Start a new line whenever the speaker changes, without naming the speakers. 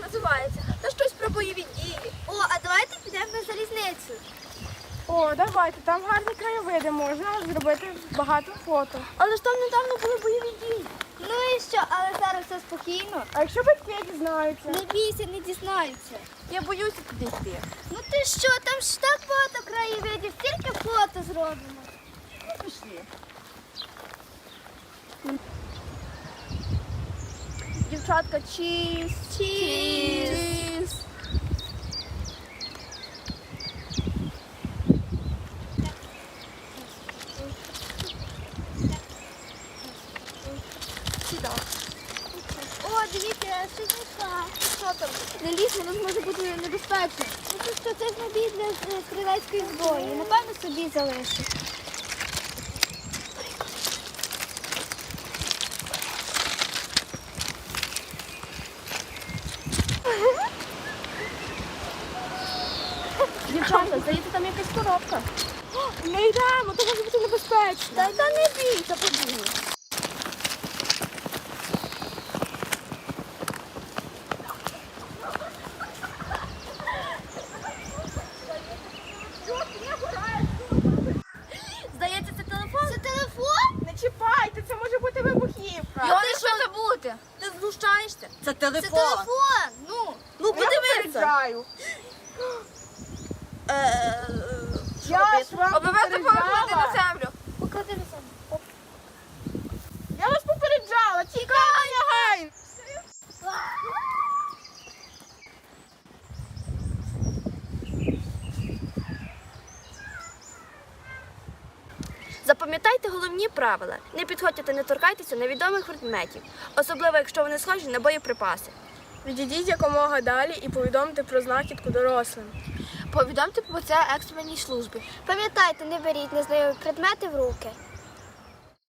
називається. Та щось про бойові дії.
О, а давайте підемо на залізницю.
О, давайте, там гарні краєвиди, можна зробити багато фото.
Але ж там недавно були бойові дії.
Ну і що, але зараз все спокійно.
А якщо батьки дізнаються?
Не бійся, не дізнаються.
Я боюся туди йти.
Ну ти що, там ж так багато краєвидів, тільки фото зробимо.
Пішли. Дівчатка, чіз. Чіз. Сюди.
О, дивіться, я щось знайшла.
Що там? Не лізь, воно може бути небезпечно.
Ну це що, це ж набій для стрілецької зброї. Напевно, собі залишу.
Дівчатка, здається, там якась коробка.
Не йдемо, то може бути небезпечно.
Та не бійся, побігли. Здається, це телефон.
Це телефон?
Не чіпайте, це може бути вибухівка.
Його не що забути. Ти знущаєшся? Це
Це
телефон.
телефон. Ну.
Ну,
Я
подивися.
попереджаю.
Що
Я
робити?
ж вам
Обов'язково
попереджала.
поклади на землю.
Поклади на себе.
Я вас попереджала, тікай, негайно.
Запам'ятайте головні правила. Не підходьте та не торкайтеся невідомих предметів, особливо якщо вони схожі на боєприпаси.
Відійдіть якомога далі і повідомте про знахідку дорослим.
Повідомте про це екстреній службі.
Пам'ятайте, не беріть незнайомі предмети в руки.